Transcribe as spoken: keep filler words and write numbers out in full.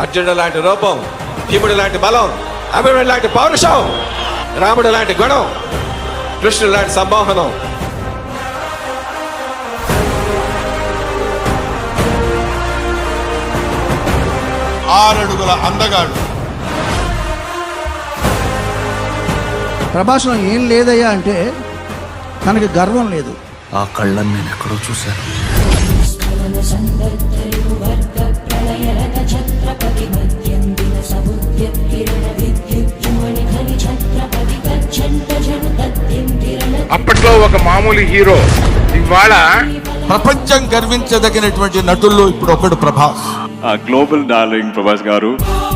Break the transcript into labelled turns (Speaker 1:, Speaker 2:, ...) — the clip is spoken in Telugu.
Speaker 1: అర్జునుడు లాంటి రూపం, భీముడు లాంటి బలం, అభిమన్యుడు లాంటి పౌరుషం, రాముడు లాంటి గుణం, కృష్ణుడు లాంటి సంమోహనం.
Speaker 2: ఆరడుగుల అందగాడు.
Speaker 3: ప్రభాస్లో ఏం లేదయ్యా అంటే తనకి గర్వం లేదు.
Speaker 4: ఆ కళ్ళని నేను ఎక్కడో చూశాను.
Speaker 5: అప్పట్లో ఒక మామూలు హీరో, ఇవాళ
Speaker 2: ప్రపంచం గర్వించదగినటువంటి నటుల్లో ఇప్పుడు ఒకడు ప్రభాస్.
Speaker 6: గ్లోబల్ డార్లింగ్ ప్రభాస్ గారు.